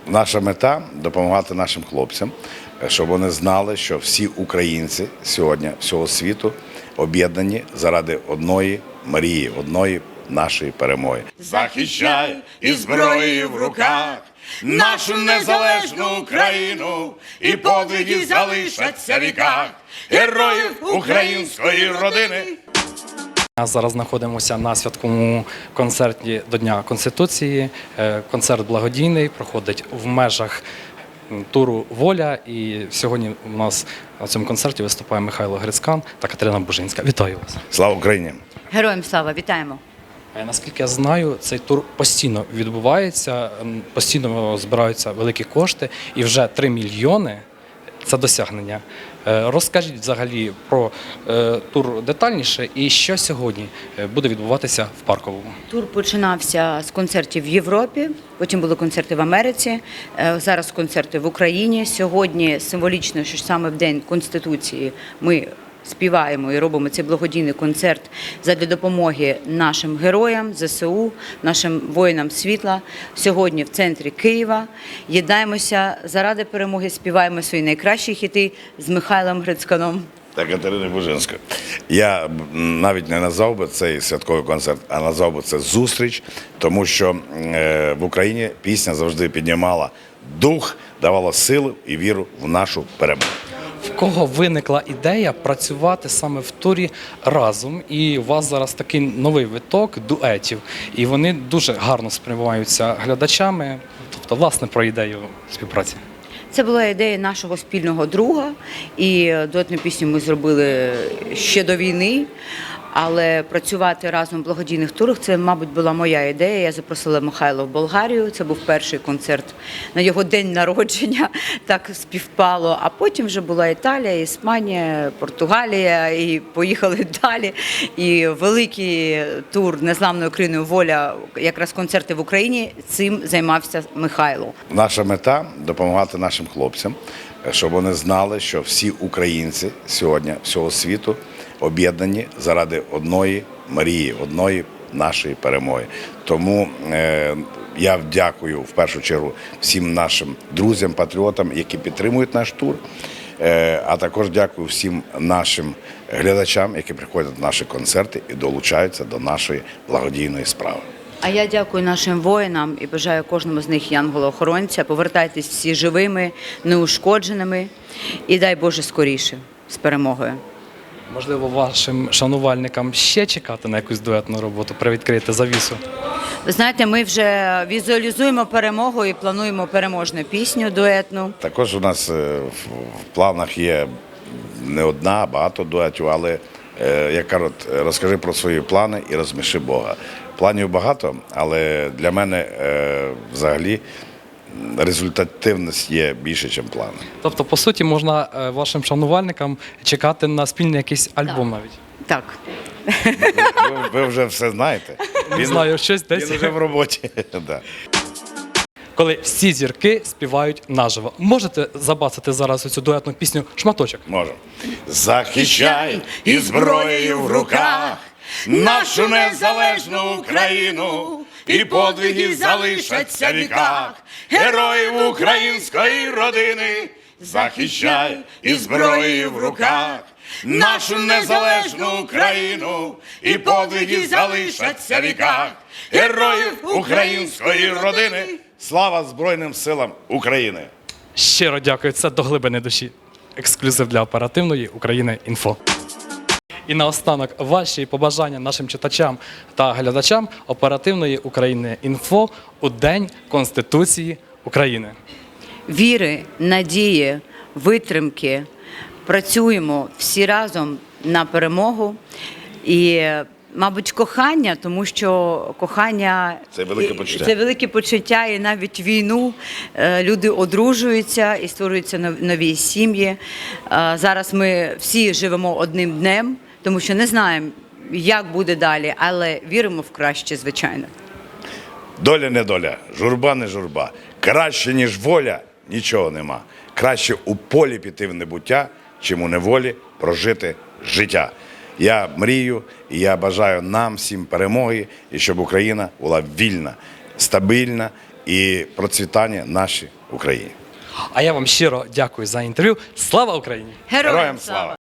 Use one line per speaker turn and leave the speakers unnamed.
Наша мета – допомагати нашим хлопцям, щоб вони знали, що всі українці сьогодні всього світу об'єднані заради одної мрії, одної нашої перемоги.
Захищай із зброєю в руках нашу незалежну Україну, і подвиги залишаться в віках героїв української родини.
Зараз знаходимося на святковому концерті до Дня Конституції. Концерт благодійний, проходить в межах туру «Воля». І сьогодні у нас на цьому концерті виступає Михайло Грицькан та Катерина Бужинська. Вітаю вас!
Слава Україні!
Героям слава, вітаємо!
Наскільки я знаю, цей тур постійно відбувається, постійно збираються великі кошти і вже 3 мільйони – це досягнення. Розкажіть взагалі про тур детальніше і що сьогодні буде відбуватися в Парковому.
Тур починався з концертів в Європі, потім були концерти в Америці, зараз концерти в Україні. Сьогодні символічно, що саме в День Конституції ми співаємо і робимо цей благодійний концерт задля допомоги нашим героям, ЗСУ, нашим воїнам світла. Сьогодні в центрі Києва єднаємося заради перемоги, співаємо свої найкращі хіти з Михайлом Грицьканом
та Катериною Бужинською. Я навіть не назвав би цей святковий концерт, а назвав би це зустріч, тому що в Україні пісня завжди піднімала дух, давала силу і віру в нашу перемогу.
В кого виникла ідея працювати саме в турі разом, і у вас зараз такий новий виток дуетів, і вони дуже гарно сприймаються глядачами, тобто, власне, про ідею співпраці.
Це була ідея нашого спільного друга, і дуетну пісню ми зробили ще до війни, але працювати разом в благодійних турах – це, мабуть, була моя ідея. Я запросила Михайла в Болгарію, це був перший концерт на його день народження, так співпало. А потім вже була Італія, Іспанія, Португалія, і поїхали далі. І великий тур «Незламною Україною воля», якраз концерти в Україні, цим займався Михайло.
Наша мета – допомагати нашим хлопцям, щоб вони знали, що всі українці сьогодні всього світу об'єднані заради одної мрії, одної нашої перемоги. Тому я дякую в першу чергу всім нашим друзям, патріотам, які підтримують наш тур, а також дякую всім нашим глядачам, які приходять на наші концерти і долучаються до нашої благодійної справи.
А я дякую нашим воїнам і бажаю кожному з них янгола-охоронця. Повертайтесь всі живими, неушкодженими і дай Боже скоріше з перемогою.
Можливо, вашим шанувальникам ще чекати на якусь дуетну роботу, привідкрити завісу?
Ви знаєте, ми вже візуалізуємо перемогу і плануємо переможну пісню дуетну.
Також у нас в планах є не одна, а багато дуетів, але, як кажуть, розкажи про свої плани і розсміши Бога. Планів багато, але для мене взагалі результативність є більше, ніж плани.
Тобто, по суті, можна вашим шанувальникам чекати на спільний якийсь альбом навіть?
Так.
Ви вже все знаєте.
Не знаю, щось десь.
Він вже в роботі. Да.
Коли всі зірки співають наживо. Можете забацати зараз оцю дуетну пісню «Шматочок»?
Можемо. Захищай із зброєю в руках нашу незалежну Україну, і подвиги залишаться в віках героїв української родини. Захищай із зброєю в руках нашу незалежну Україну, і подвиги залишаться в віках героїв української родини. Слава Збройним силам України!
Щиро дякую, це до глибини душі. Ексклюзив для оперативної України.Інфо. І наостанок ваші побажання нашим читачам та глядачам оперативної України.Інфо у День Конституції України.
Віри, надії, витримки. Працюємо всі разом на перемогу. І, мабуть, кохання, тому що кохання –
Це велике почуття.
Це велике почуття, і навіть війну люди одружуються і створюються нові сім'ї. Зараз ми всі живемо одним днем, тому що не знаємо, як буде далі, але віримо в краще, звичайно.
Доля не доля, журба не журба. Краще, ніж воля, нічого нема. Краще у полі піти в небуття, чим у неволі прожити життя. Я мрію і я бажаю нам всім перемоги, і щоб Україна була вільна, стабільна і процвітання нашій Україні.
А я вам щиро дякую за інтерв'ю. Слава Україні!
Героям слава!